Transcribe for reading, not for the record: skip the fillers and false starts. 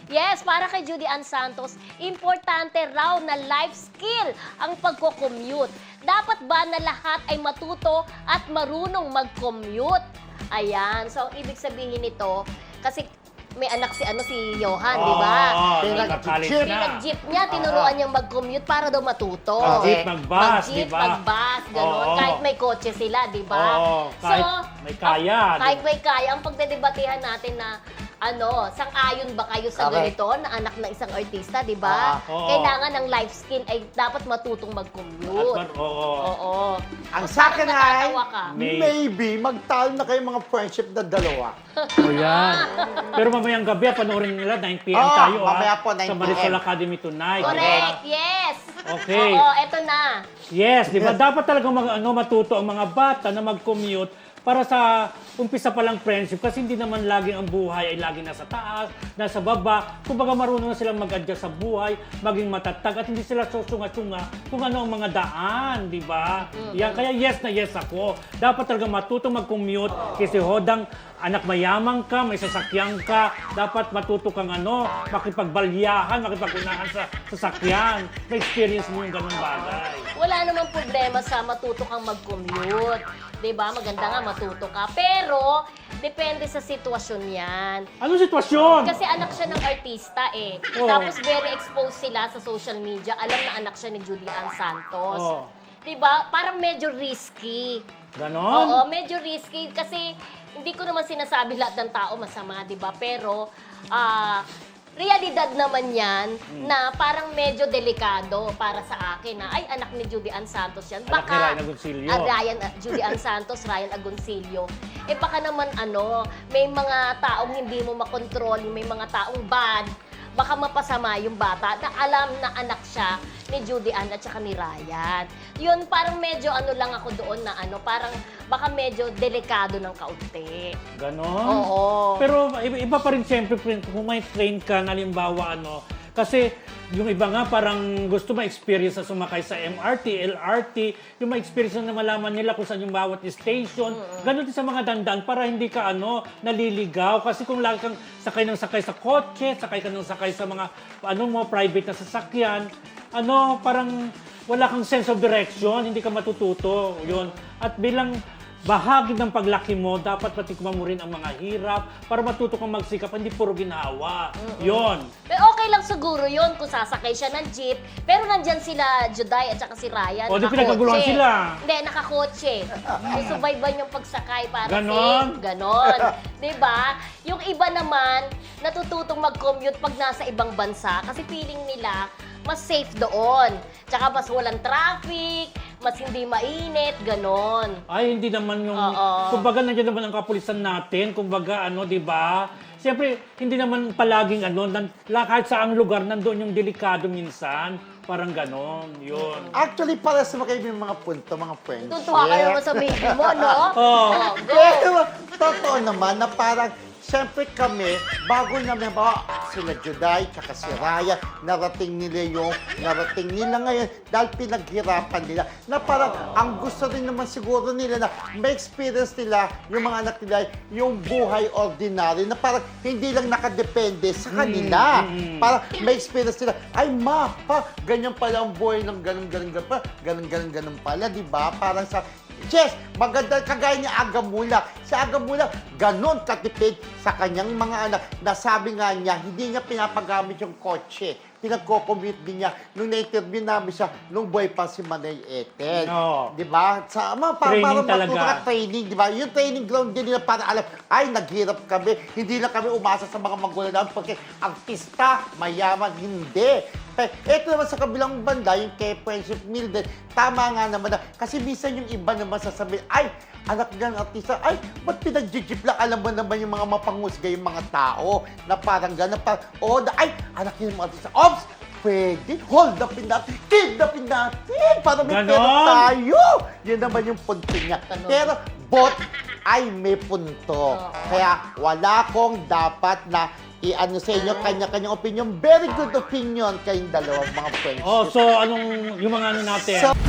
Yes, para kay Judy Ann Santos, importante raw na life skill ang pagko-commute. Dapat ba na lahat ay matuto at marunong mag-commute? Ayan, so ang ibig sabihin nito, kasi may anak si Johan, di ba? Pinag-jeep niya, tinuruan niyang mag-commute para daw matuto. Mag-jeep, mag-bus, di Mag-jeep, ba? mag-bus, gano'n. Kahit may kotse sila, di ba? Kahit may kaya. Kahit may kaya, ang pagdedebatehan natin na sang-ayon ba kayo sa ganito na anak ng isang artista, di ba? Kailangan ng life skill ay dapat matutong mag-commute. Oo. Ang sa akin ay, natatawa ka? maybe, magtalo na kayo mga friendship na dalawa. O yan. Pero mamayang gabi, panoorin nila, 9 p.m. tayo mamaya po, 9 sa Marisol PM. Academy tonight. Correct, yes. Okay. Oo, eto na. Yes, di ba? Dapat talaga matuto ang mga bata na mag-commute para sa umpisa pa lang friendship kasi hindi naman lagi ang buhay ay lagi nasa taas, nasa baba. Kumbaga marunong na silang mag-adjust sa buhay, maging matatag at hindi sila susunga-sunga kung ano ang mga daan, di ba? Yan, kaya yes na yes ako. Dapat talaga matuto mag-commute kasi hodang anak mayamang ka, may sasakyan ka, dapat matuto kang makipagbalyahan, makipagunahan sa sasakyan. May experience mo yung ganung bagay. Wala namang problema sa matuto kang mag-commute. 'Di ba? Maganda nga matuto ka. Pero, depende sa sitwasyon yan. Anong sitwasyon? Kasi anak siya ng artista eh. Tapos very exposed sila sa social media. Alam na anak siya ni Judy Ann Santos. 'Di ba? Parang medyo risky. Ganon? Oo, medyo risky kasi hindi ko naman sinasabi lahat ng tao masama, 'di ba? Pero realidad naman yan na parang medyo delikado para sa akin na ay anak ni Judy Ann Santos yan. Anak ni Ryan Agoncillo. Judy Ann Santos, Ryan Agoncillo. Eh baka naman may mga taong hindi mo makontrol, may mga taong bad, baka mapasama yung bata na alam na anak siya ni Judy Ann at saka ni Ryan. Yun, parang medyo lang ako doon na parang baka medyo delikado ng kaunti. Ganon? Oo. Pero iba pa rin siyempre kung may train ka, halimbawa kasi yung iba nga parang gusto ma-experience na sumakay sa MRT, LRT, yung ma-experience na malaman nila kung saan yung bawat station. Ganon din sa mga dandaan para hindi ka naliligaw. Kasi kung lagi kang sakay sa kotse, sakay ka ng sakay sa mga private na sasakyan, parang wala kang sense of direction, hindi ka matututo. Yun. At bilang bahagi ng paglaki mo, dapat patikman mo rin ang mga hirap para matuto kang magsikap, hindi puro ginawa. Yun. Pero okay lang siguro yun kung sasakay siya ng jeep, pero nandyan sila Juday at saka si Ryan, O, di pinagkaguluhan sila. Hindi, nakakotse. Susubayban yung pagsakay para Ganon? safe. Ganon. Diba? Yung iba naman, natututong mag-commute pag nasa ibang bansa kasi feeling nila mas safe doon. Tsaka mas walang traffic, mas hindi mainit, ganon. Ay, hindi naman yung... Kumbaga, nandiyan naman ang kapulisan natin. Kumbaga, di ba? Siyempre, hindi naman palaging kahit saang lugar, nandoon yung delikado minsan. Parang ganon, yun. Actually, para sa mga mga punto, mga friendship. Tuntuha ka naman sa baby mo, no? Go! Pero, totoo naman na parang, siyempre kami, bago namin sila Juday, tsaka si Raya, narating nila ngayon dahil pinaghirapan nila. Na parang, ang gusto rin naman siguro nila na may experience nila, yung mga anak nila, yung buhay ordinary, na parang hindi lang nakadepende sa kanila. Parang may experience nila, ay ganyan pala ang buhay ng ganun pala, di ba? Parang sa yes, maganda kagaya ni Aga Mula. Si Aga Mula, ganon katipid sa kanyang mga anak. Nasabi nga niya, hindi niya pinapagamit yung kotse. Pinagko-commute din niya nung na-interview namin siya nung buhay pa si Manay Ethel. Di ba? Para matuto ka training, di ba? Yung training ground din nila para alam, ay, naghirap kami. Hindi lang kami umasa sa mga magulang namin porque artista, mayaman, hindi. Ito naman sa kabilang banda, yung kay Friendship Mildred, tama nga naman na. Kasi minsan yung iba naman sasabihin, ay, anak niya ng artista, ay, ba't pinag-jeep lang? Alam mo naman yung mga mapangusga yung mga tao na parang gano'n, ay, anak niya ng artista, ops, pwede, hold upin natin, kidnapin natin, para may pera tayo. Yun naman yung punto niya. Pero, ay may punto. Kaya, wala kong dapat na sa inyo, kanya-kanyang opinion. Very good opinion kayong dalawang mga friends. So yung mga natin?